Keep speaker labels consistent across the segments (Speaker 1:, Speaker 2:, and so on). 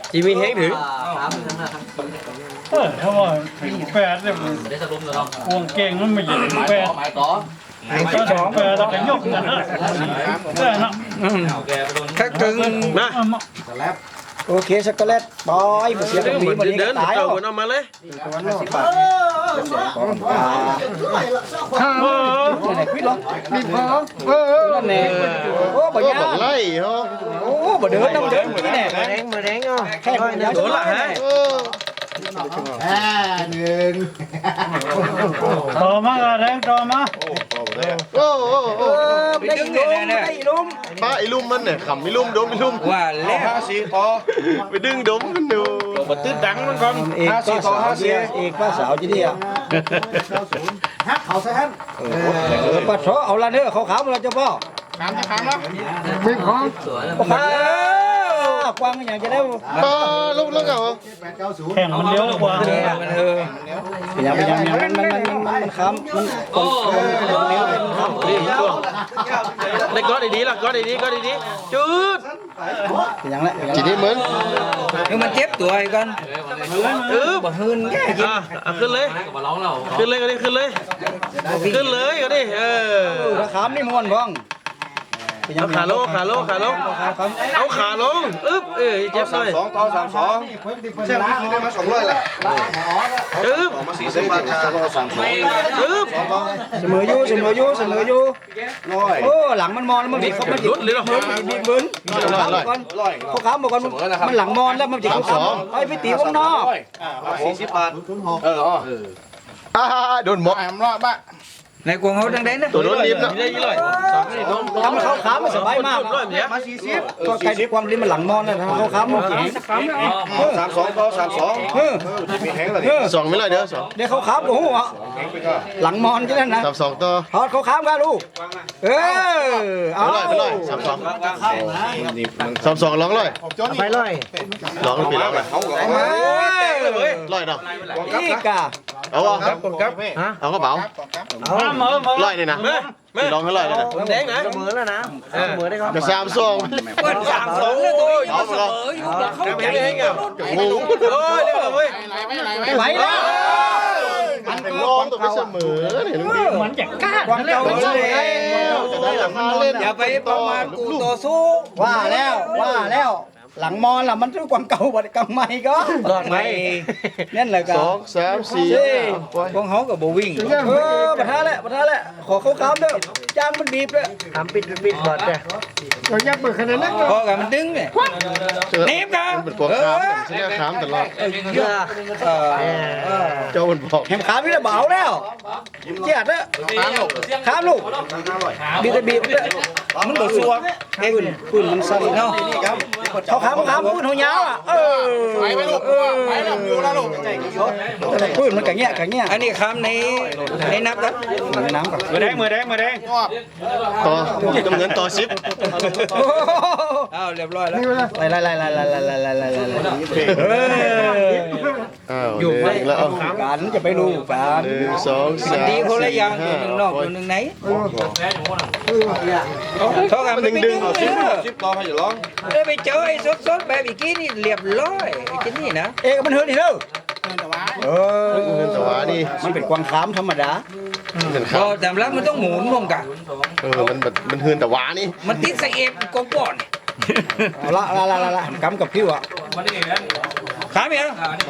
Speaker 1: จีมีแห้งถือ
Speaker 2: ถ้าว่าแปดเนี่ยห่วงเก่งมันไม่ใช่แปดก็สองแปดแล้วก็ยกกันนะแต่นะ
Speaker 3: ถ้าตึง
Speaker 1: นะ
Speaker 4: โอเคช็อกโกแลตบอยมาเสีย
Speaker 1: เดิน
Speaker 4: มี
Speaker 1: เหมือน
Speaker 4: มันนี้
Speaker 1: เดิน
Speaker 4: ตาย
Speaker 1: เต่า
Speaker 4: แล้ว
Speaker 1: คนเอามาเลย
Speaker 4: ไหนคุยลองมีพอนั่นแน่โอ้บ่ยา
Speaker 5: ไล่เหรอ
Speaker 4: โอ้บ่เดินน้ำเดินเมื่อกี้แน่
Speaker 1: มาแดงอ่ะ
Speaker 4: แค่เดี๋ยว
Speaker 1: โดนละฮะ
Speaker 2: ต่อมาแดงต่อมา
Speaker 5: โอ้โอ้โอ้
Speaker 4: ได้อีลุมได้อีลุม
Speaker 5: ป้าไอ้ลุ่มมันเนี่ยขำไอ้ลุ่มดมไอ้ลุ่ม
Speaker 3: ว่าแล้ว
Speaker 5: ไปดึงดมกันดู
Speaker 1: มาตื้อดังมันก่อน
Speaker 4: เอกป้าสาวเดียเอกป้าสาวจีเดียฮักเขาซะฮั่นป้าโถเอาละเด้อเขาขาวเราจะพ่อมีของกวางอย่างจะได้
Speaker 5: ป้าลูกแล้วเหรอ
Speaker 2: แข่งมันเลี้ยวกว่า
Speaker 3: มัน
Speaker 4: มันค้ำมันเลี้ยวเป็นค้ำ
Speaker 1: นี่ช่วงในก้อนดีๆล่ะก้อนดีๆก้อนดีๆจุด
Speaker 4: อย่างละ
Speaker 5: ทีนี้เหมือน
Speaker 3: คือมันเจ็บตัวไอ้กัน บ่หืนแก่กิน
Speaker 1: ขึ้นเลยขึ้นเลยก็ได้ขึ้นเลยขึ้นเลยก็ได้
Speaker 4: ถ้าค้ำนี่ม้วนบ้อง
Speaker 1: เอาขาลงขาลงขาลงเอาขาลงอึ๊บเจ็บหน่อย
Speaker 5: 2ต่อ32ใช่ไหมได้มา200แหละ
Speaker 1: อึ๊บ
Speaker 5: มา40บาท32
Speaker 1: อึ๊บ
Speaker 4: เสมออยู่โอ้หลังมันมอนแล้วมันบีบมันบีบบึ้นเขาค้ำบอกก่อนมันหลังมอนแล้วมันบีบเขาไอ้พี่ตีวงนอก
Speaker 5: 40บาทโดนหมก
Speaker 3: ในกวงเขาดังๆนะ
Speaker 5: ตัวโดนลิ้มนะ
Speaker 1: ได้ยี่ร้อย
Speaker 4: ทำเขาค้ำมันสบายมากก็ใครด้วยความลิ้นมันหลังมอนนะเขาค้ำมันแข็ง
Speaker 5: 32ต่อ32มีแห้งแล้วดิ2ไม่เลยเด้อ2
Speaker 4: เดี๋ยวเขาค้ำโอ้โหหลังมอนใช่ไหมนะ
Speaker 5: 32ต่อ
Speaker 4: ทอดเขาค้ำกันลูกเอา
Speaker 5: ไปเลย32ลองเลย
Speaker 4: ไปเลย
Speaker 5: ลองปีลองเลย ร้อยเนาะ
Speaker 4: นี่กะ
Speaker 5: เอาวะเอากระเป๋า ร้อยเลยนะลองให้ร้อยเลยนะ
Speaker 1: แดงนะ
Speaker 4: เสมอแล้วนะเสมอได้ครับ
Speaker 5: จะ32
Speaker 3: เปิด32เลยตัวนี้เสมออยู่เขา
Speaker 1: แดงอ่ะ
Speaker 5: งู
Speaker 1: โอ้ยเรียบร้อยเว้ย
Speaker 4: ไม่ไหวแล้ว
Speaker 5: มันเป็นลองตัวไปเสมอเนี่ยลุงดิ
Speaker 2: มันจะกล้า
Speaker 4: ความเก่าเลย
Speaker 5: จะได้หลังมาเล่น
Speaker 3: อย่าไปประมาทกูต่อสู้
Speaker 4: ว่าแล้วหลังมอนล่ะมันคือความเก่าบัดกำไมก็
Speaker 3: รอดไหม
Speaker 4: นั่นแหละก็
Speaker 5: 2 3 4
Speaker 3: พวกเขาก็บ่วิ่ง
Speaker 4: ประท้าแหละขอเขาค้ำเด้อจ้างมันบีบเลย
Speaker 1: ทำปิดบอดเลย
Speaker 3: พอกับมันดึงเนี่ย หนีบกัน
Speaker 5: มันเป็นกวางขามเสียขามตลอดเจ้ามันบอก
Speaker 4: แหมค้ำนี่แหละเบาแล้วเจี๊ยดเด้อค้ำลูกบีบเด้อ
Speaker 3: มันบ่ซัวเอง
Speaker 4: ปืนมันสั่นเนาะเขาค้ำปืนเขายาวอ่ะไปลูกไปแล้วอยู่แล้วลูกปืนมันกะเงี้ย
Speaker 3: อันนี้คำในนับครับ
Speaker 4: ในน้ำก่อน
Speaker 2: มือแดง
Speaker 5: ต่อจำเงินต่อ10
Speaker 3: อ้าวเรียบร้อยแล้ว
Speaker 4: ไล่
Speaker 5: อยู่แล้ว
Speaker 4: กันจะไปดูกัน
Speaker 5: 1 2 3
Speaker 3: ดีคนละอย่างตัวหนึ่งนอกตัวหนึ่งไหนเท่ากันมันดึง
Speaker 5: 10ต่อให้อย่าร้อง
Speaker 3: ได้ไปเจอไอ้สดๆแบบอีกกี้นี่เรียบร้อยไอ้ที่นี่นะ
Speaker 4: เอ๊ะมันเฮือนอีกแล้ว
Speaker 5: เงินแต่ว่านี่
Speaker 4: มันเป็นกวางขามธรรมดา
Speaker 5: เป็น
Speaker 3: พ
Speaker 5: ข้า
Speaker 3: อ
Speaker 5: ว
Speaker 3: แต่ละมันต้องหมุนรวมกัน
Speaker 5: มันเฮือนแต่ว่านี่
Speaker 3: มันติดใส่เอฟกองก่อน
Speaker 4: เอาละกำกับพิ้วอ่ะ
Speaker 3: ขาเมีย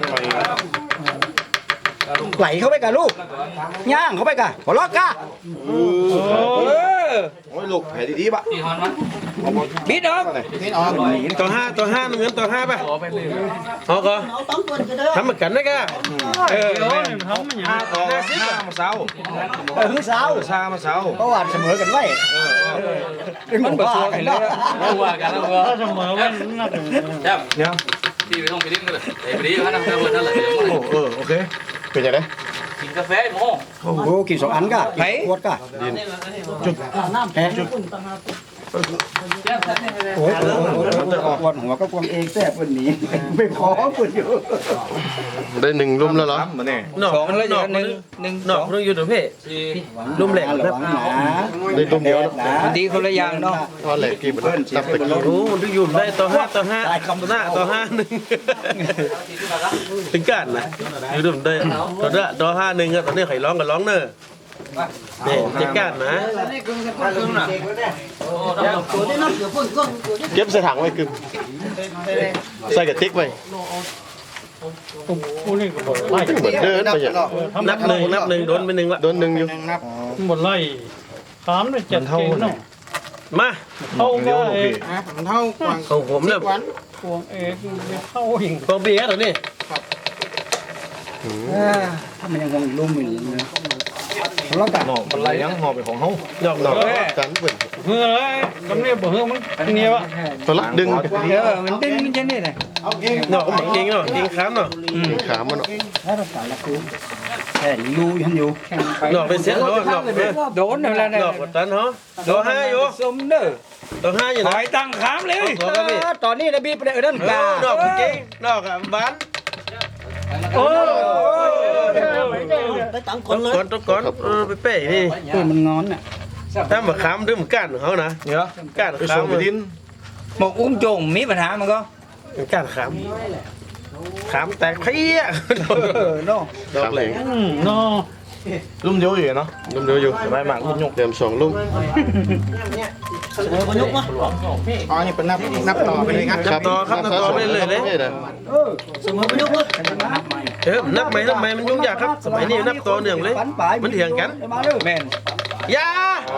Speaker 4: ไหลเข้าไปกับลูกย่างเข้าไปกับหัวล็อกกะ
Speaker 5: โอ้ยลูกแผลดีๆปะ
Speaker 3: บิดออก
Speaker 1: ต่อ5มันเงินต่อ5ป่ะเอาก็ทำเหมือนกันนะแก
Speaker 2: เขาไม่ยัง
Speaker 5: ต่อ5มาเสา
Speaker 4: คือสาว
Speaker 5: ชามาเสา
Speaker 4: เพราะว่าเสมอกันไว้มันบ่สู้กันเนาะ
Speaker 2: ถ้าเสมอมันน่าจะ
Speaker 6: พี่ไปท่องไปดิ้งกันเลยไปดิ้งเขาทำกระบวนนั่นแหละ
Speaker 5: โอเคเป็นยังไง
Speaker 6: กินกาแฟโม่
Speaker 4: โอ้กิน2 อันกะขวดกะจุดโอ้ยกวนหัวก็กวงเองแซ่บวันนี้ไม่พอปุ่นอยู่
Speaker 5: ได้หนึ่งลุ่มแล้วเหรอ
Speaker 1: นอก
Speaker 3: สองแล้ว
Speaker 1: น
Speaker 3: อ
Speaker 1: อยู่ ก
Speaker 3: หนึ่ง
Speaker 1: นอกนึงอยู่ตัวเพ่ลุ่มแหลก
Speaker 4: ระ
Speaker 1: ครับ
Speaker 4: วังหนา
Speaker 5: ได้ลุ่มเดียวนะ
Speaker 3: ดีคนละอย่างเนาะ
Speaker 5: ทอดแหลกกี่บาทตับตะกี้
Speaker 1: โอ้มันต้องอยู่ได้ต่อห้าต่อห้าต่อห้าหนึ่งถึงกันนะอยู่ดุมได้ต่อห้าหนึ่งอะตอนนี้ไข่ร้องกับร้องเนอะนี่จะกันนะ
Speaker 5: เก็บใส่ถังไว้กึมใส่กระติกไว้
Speaker 2: ผู้นี่ก็บ่ไล่
Speaker 5: เหมือนเดินไปอย่าง
Speaker 1: นับหนึ่งโดนไปหนึ่งละ
Speaker 5: โดนหนึ่งอยู่
Speaker 2: บ่ไล่ถามได้จัดเก่งเนาะ
Speaker 1: มา
Speaker 2: เข้าก็เอง
Speaker 1: ของผมเนี่ย
Speaker 2: พวงเองเข้าเอง
Speaker 1: ของพี่ตัวนี้
Speaker 4: ถ้ามันยังคงลุ่มอยู่นะเราตัด
Speaker 5: มันไรยังหอบไปของเขาดอกจันเปิด
Speaker 2: เฮ้ยกำเนียบ่เฮ้ยมันเนี่ยวะ
Speaker 5: ตัวละดึง
Speaker 3: มันดึงมันจะนี่แหละ
Speaker 1: เนาะเก่งเนาะเก่งค้ำเนาะ
Speaker 5: ขามัน
Speaker 4: ถ้าเราตัดละคือแค่ยูยันอยู่
Speaker 1: เนาะเป็นเสียเขาเนาะ
Speaker 3: โดนแล้วนะ
Speaker 1: เนาะกดตันเหรอต่อห้าอยู่
Speaker 3: สมเด้อ
Speaker 1: ต่อห้าอยู่
Speaker 3: ถ
Speaker 1: นะ
Speaker 3: อยตั้งขามเลย
Speaker 1: ตัวก็พี่
Speaker 4: ตอนนี้นะบีไปเดินกา
Speaker 1: ดอกเก่งดอกอ่ะบ้าน
Speaker 2: โอ้
Speaker 4: ได้ตัง
Speaker 1: ก่อนก่อนไปเป้นี่
Speaker 4: ตัวมันงอนน่ะ
Speaker 1: ถ้ามาค้ำด้วยมันก้านของเขานะก้านค้ำ
Speaker 5: ดิน
Speaker 3: หมกอุ้มโจงมีปัญหามันก็
Speaker 1: ก้านค้ำแตกเพี้ย
Speaker 4: เนาะ
Speaker 5: ดอกแหลง
Speaker 2: เนาะ
Speaker 5: ลุ่มเดียวอยู่เนาะลุ่มเดียวอยู่ใบหมากลุ่มยกเดิมสองลุ่ม
Speaker 4: มันยกมาอ๋อนี่เป็นนับต่อไปเลยครับ
Speaker 1: ครับต่อไปเลยเลย
Speaker 4: สมมติมันยกเลย
Speaker 1: นับไหมมันยุ่งยากครับสมัยนี้นับต่อเนื่องเลยมันเถียงกัน
Speaker 4: มาเด้อ
Speaker 3: แม่น
Speaker 1: ยา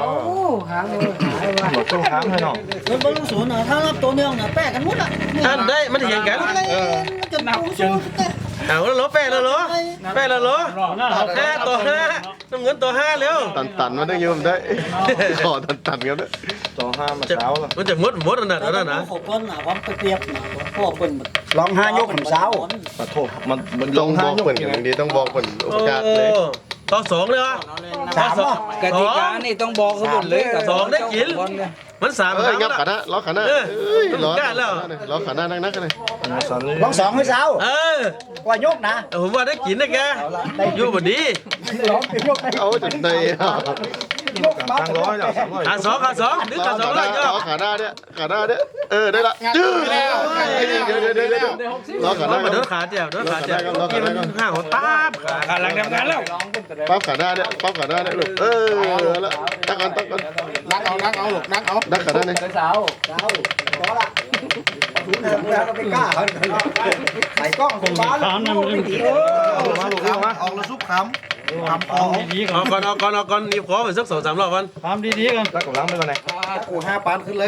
Speaker 5: ต้องค้างให้เนาะ
Speaker 4: มันบรรลุศูนย์นะถ้านับตัวเนื่องนะแปะกันหมดอ่ะ
Speaker 1: อันได้มันเถียงกัน
Speaker 4: จะนับศูนย์
Speaker 1: เอาแล้วเหรอแปะแล้วเหรอห้าต่อห้าน้ำเงินต่อห้าเร็ว
Speaker 5: ตันมาได้ยืมได้ขอตันกันได้ต่อห้ามาเช้าละ
Speaker 1: มันจะมดอันนั้นนะ
Speaker 4: ขบวนนะความเปรียบนะพ่อเป็นร้องห้ายกของเช้า
Speaker 5: ขอโทษมันต้องบอกเปิ่นอย่างนี้ต้องบอกเปิ่นโอกาสเลย
Speaker 1: ต่อสองเลยวะ
Speaker 3: กติกานี่ต้องบอกเขาหมดเลย
Speaker 1: สองได้กินมันสาม
Speaker 5: เอ้ยงับขาหน้าล้อขาหน้าเอ้ยล้อขาหน้านักๆเลย
Speaker 4: ร้องสองให้เช้า ว่ายกนะ
Speaker 1: ผมว่าได้กินนะแกอยู่บดี
Speaker 4: ร้องยกได้
Speaker 5: เอาจนได้
Speaker 4: ยกมาร้อย
Speaker 1: ขาสองนึกขาสองเลยก็
Speaker 5: ขาหน้าเนี่ยได้ละจื้อเดี๋ยวล้อขาหน้า
Speaker 1: มาโดนขาเดียวกินมันห่างหัวป้าบขา
Speaker 3: กำลังทำงานแล้ว
Speaker 5: ปั๊บขาหน้าเนี่ยลูกแล้วตั้งกันนักเอาลูกนักขาหน้าเนี่ย
Speaker 4: เช้าพอละถุงเงินแล้วก็ไปกล้าเขาใส่กล้องของบ้าน
Speaker 2: ถามนั่นมัน
Speaker 5: มาลูกเอามาออกแล้วซุปขำ
Speaker 2: ถามดีๆกั
Speaker 1: เอา
Speaker 2: น
Speaker 1: ก่อนนี่ขอไปสัก2-3 รอบกัน
Speaker 2: ถามดีๆกัน
Speaker 5: แล้วกับล้างไปก่อนไหน
Speaker 4: กู5 ปานขึ้นเลย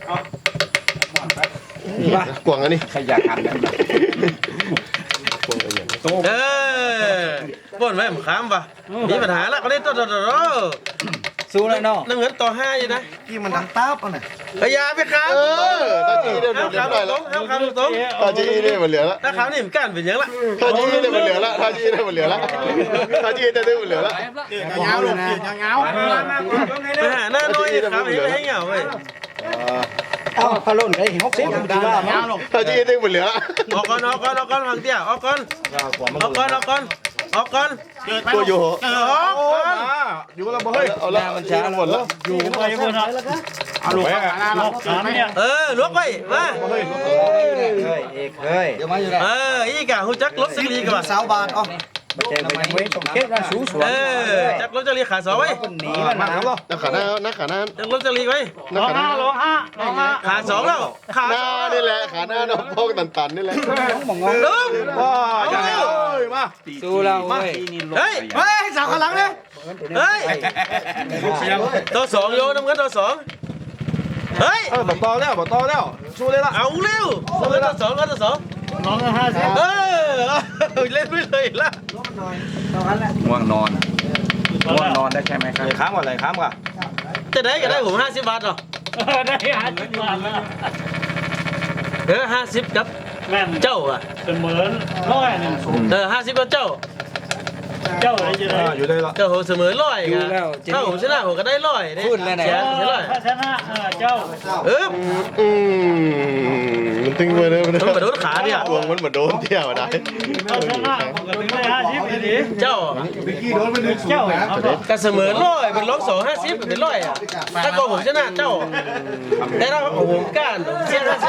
Speaker 5: กวางอันนี้
Speaker 3: ขยันกัน
Speaker 1: บ่นไว้ผมค้ำป่ะมีปัญหาแล้วก็ได้ต่อ
Speaker 3: สู้แล้วเนาะ
Speaker 1: น้ำเงินต่อ5อยู่นะ
Speaker 4: ที่มันดังตาบอ่ะน่ะ
Speaker 1: พยาไปค้ำ
Speaker 5: ตาจีเนี่ย
Speaker 1: ห้ามค้ำตรง
Speaker 5: ตาจีเนี่ยมันเหลือละ
Speaker 1: ถ้าค้ำนี่มันก้านเป็นยังละ
Speaker 5: ตาจีเนี่ยมันเหลือละตาจีเนี่ยมันเหลือละตาจีเนี่ยมันเหลือละ
Speaker 4: ยาวเลยยาว
Speaker 1: ไปหาหน้าน้อยค้ำให้เหงาเว้ย
Speaker 4: เอาพะโล้นไอ้60มันว่ามา
Speaker 5: ตาจีเนี่ยมันเหลือละ
Speaker 1: ออกก่อนฟังเตี้ยออกก่อน
Speaker 5: ตัวอยู่
Speaker 1: อยู่
Speaker 5: ละบ่เฮ้ยเอาละมันช้าหมดละ
Speaker 2: อยู่ไปเมื่อไหร่แล้วก็เอาลูกถามเนี่ย
Speaker 1: ลวกไปมา
Speaker 4: เฮ้ย
Speaker 1: อีกะหูจักรถสิลีกันป่ะ
Speaker 4: 20 บาทอ๋อไม่ใช่ไม่เว้ยต้องเก็บนะสูสวน
Speaker 1: จักรถจะลีขา2ไว้
Speaker 4: หนีมันมา
Speaker 5: นักขาหน้านักขาหน้า
Speaker 1: จักรถจะลีไว้
Speaker 2: ร้องห้า
Speaker 1: ขา2แล้วขา
Speaker 5: หน้านี่แหละขาหน้าน้องพกตันนี่แหละ
Speaker 4: ต้องมองงง
Speaker 1: ลุง
Speaker 5: มา
Speaker 3: สู้เราเว้ย
Speaker 1: เฮ้ย
Speaker 4: สาวข้างหลังเนี่ย
Speaker 1: เฮ้ยตัว2โยน้ำเงินตัว2เฮ้ย
Speaker 5: บ่ต่อแล้วสู้เลยละ
Speaker 1: เอาเร็วน้ำเงินตัว2ตัว2
Speaker 2: น้อง50
Speaker 1: เล่นไปเลยล่ะ
Speaker 3: ง่วงนอนได้ใช่ไหมครับ
Speaker 5: ค้างก่อนเลยค้างก่อน
Speaker 1: จะได้ก็ได้ผม50 บาทหรอ
Speaker 2: ได้50 บาทแล้ว
Speaker 1: 50กับ
Speaker 2: แม่น
Speaker 1: เจ้าอ่ะ
Speaker 2: เป็นเหมือนร้อยหนึ่ง
Speaker 1: 50กับเจ้า
Speaker 2: เจ้าอะไรจะได้
Speaker 4: อยู่ได้ละ
Speaker 1: ก็โหเสมอร้อยกันถ้าผมชนะผมก็ได้ร้อยเนี่ยเสียร้อย
Speaker 2: ถ้าชนะเจ้า
Speaker 5: มันตึงไปเลย
Speaker 1: มันกระโดดขาเนี่ย
Speaker 5: วงมันเหมือนโดนเที่ยวได้
Speaker 2: ถ้าชนะผมก็ถึงได้50ดี
Speaker 1: เจ้า
Speaker 2: เจ้าเอาต่อ
Speaker 1: ก็เสมอร้อยเป็นร้อง250เป็นร้อยอ่ะถ้าก็ผมชนะเจ้าแต่ถ้าผมก้านผมเสีย50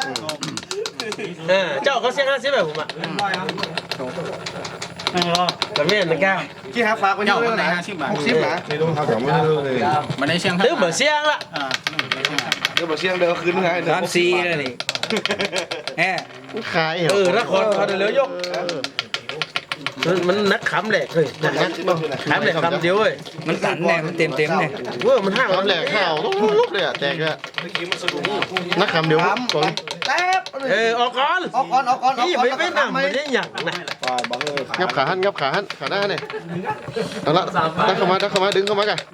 Speaker 1: เจ้าเขาเสีย50แบบผมอ่ะ แต่ไม่เห็นนะแก้ว
Speaker 4: ที่หาฝากกันเยอะเลยนะ60นะนี่ต้องทำของมันเลย
Speaker 6: มันได้เชียง
Speaker 1: ตื้อเหมือนเสียงละ
Speaker 4: เดี๋ยวมาเสียงเดี๋ยวคืนไง
Speaker 3: 3-4เลยนี่แฮะ
Speaker 5: ขาย
Speaker 1: ถ้าคนเขาเดี๋ยวยกมันนักขำแหลกเลยนักขำแหลกคำเดียวเว้ย
Speaker 3: มันตันแน่มันเต็มเนี่ย
Speaker 1: เว้ยมันห่าง
Speaker 5: คำแหลกข้าวลุกเลยอ่ะแตกอ่ะนักคำเดียวก่อน
Speaker 4: แป๊บ
Speaker 1: ออกก่อน
Speaker 4: ออกก่อน
Speaker 1: นี่ไม่นำไม่ได้หยักนะ
Speaker 5: งับขาหันขาหน้าเนี่ยเอาละดักเข้ามาดึงเข้ามากัน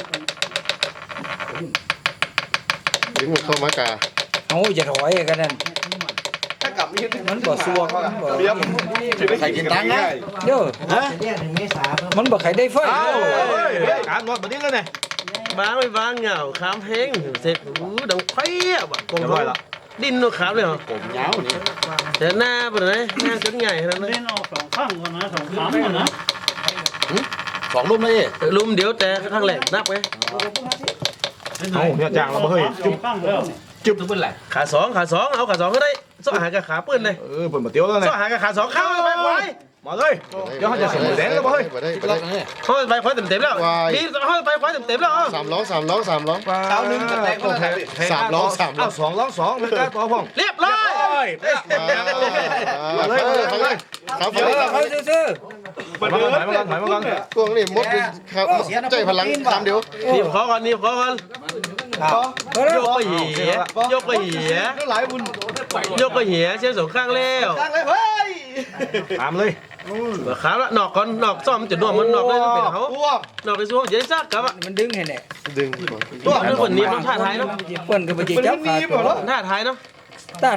Speaker 5: ดึงมันเข้ามากะ
Speaker 3: เอาอย่าถอยกันนั่น
Speaker 4: ถ้ากลับนี่
Speaker 3: มันบ่ซัวมันบ่
Speaker 4: เบี้ยใครกินตังค์นะ
Speaker 3: เด้อมันบ่ใครได้ไฟ
Speaker 4: การรถมาดิ้งแล้วเนี่ย
Speaker 1: บ้างไม่บ้างเหงาขามแห้งเสร็จดังไฟอ่ะแบบกงร้อยละดิ้นนกขามเลยเหรอ
Speaker 4: ผมยาวนี่
Speaker 1: แต่หน้าเป็นไงหน้าจนใหญ่ขนาดนั้น
Speaker 2: เล่นออก2ข้างก่อนนะ2ขาก่อนนะ
Speaker 6: 2รูปเลย
Speaker 1: ลุมเดี๋ยวแต่ข้างแหลกนับไง
Speaker 4: เอาเนี่ยจางเราเฮ้ย
Speaker 2: จุ๊บข้างแล้ว
Speaker 6: จุ๊บทุกคนแหละ
Speaker 1: ขาสองเอาขาสองก็ได้ซ้อหากับขาปืนเลย
Speaker 4: เปิดมาเตี้ยวแล้วเนี่ย
Speaker 1: ซ้อหากับขาสองเข้าไปควาย
Speaker 4: มาเลยเดี๋ยวเขาจะเสมอแดงแล้วเฮ้ย
Speaker 5: ไปได้
Speaker 1: เขาไปควายเต็มแล้วนี่เขาไปควายเต็มแล้ว
Speaker 5: สามล้อ
Speaker 4: เช้านึงกันแตกก็แตก
Speaker 5: 3 ล้อ
Speaker 4: 2 2ไม่ได้ต่อพ่อง
Speaker 1: เรียบร้อย
Speaker 5: มาเลยครับ
Speaker 3: เขาซื่อ
Speaker 4: ถอยมาก่อน
Speaker 5: กวงนี่มดครับใจพลังคำเดียว
Speaker 1: นี่ขอก่อนยกไปเหียยกไปเหีย
Speaker 4: หลายบุญ
Speaker 1: ยกไปเหียเชื่อสองข้างแล้ว
Speaker 4: ตั้งเลยเฮ้ยตามเลย
Speaker 1: ขาละนอกก่อนนอกซ่อมจะน่วมมันนอกได้เป็นเขานอกไปสู้จะได้ซักกับอ่ะ
Speaker 3: มันดึงให้แน่
Speaker 5: ดึง
Speaker 1: ตัวเรื่องคนนี้มันท่าทายเนาะ
Speaker 3: เปิ้นก็บ่สิจับขาตัว
Speaker 1: ท่าทายเนาะ